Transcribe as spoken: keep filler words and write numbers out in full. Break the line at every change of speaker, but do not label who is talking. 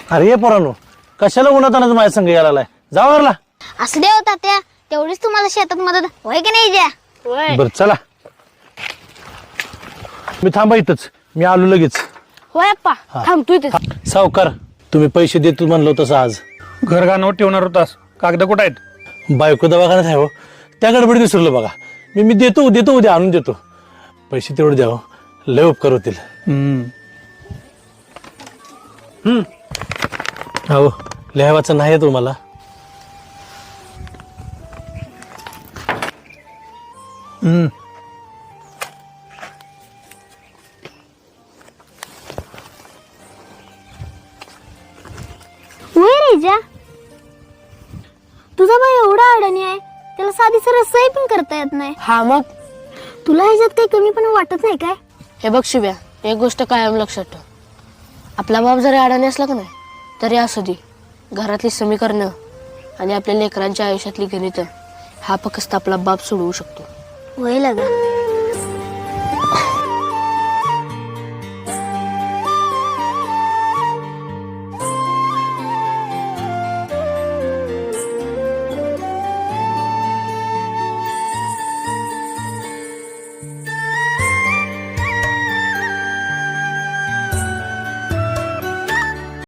अरे ये पोरांनो, कशाला उन्हातानाच माझ्या संग यायला लागलाय? जाऊ घरला.
असं दे होता त्या तेवढीच तुम्हाला शेतात मदत होय की नाही ज्या
होय
बर चला, मी थांबा इथंच, मी आलो लगेच.
होय अप्पा थांबतोय ते.
सावकार, तुम्ही पैसे देतो म्हणलो तसं आज.
घर गाणं ठेवणार होतास, कागद कुठं आहेत?
बायको दवाखान्यात आहे हो, त्या गडबडीत विसरलो बघा. मी मी देतो देतो उद्या आणून देतो. पैसे तेवढे द्या हो, लय उपकार होतील.
हम्म.
हो, लिहायचं नाही तुम्हाला?
हम्म.
होय रे ज्या तुझा भाई एवढा अडणी आहे, त्याला साधी सरळ सही पण करता येत नाही.
हा मग
तुला ह्याच्यात काही कमी पण वाटत नाही काय?
हे बघ शिव्या, एक गोष्ट कायम लक्षात ठेव. आपला बाप जरी अडाणी असला का नाही तरी असू दे, घरातली समीकरणं आणि आपल्या लेकरांच्या आयुष्यातली गणितं हा फक्त आपला बाप सोडवू शकतो.
होय लगा.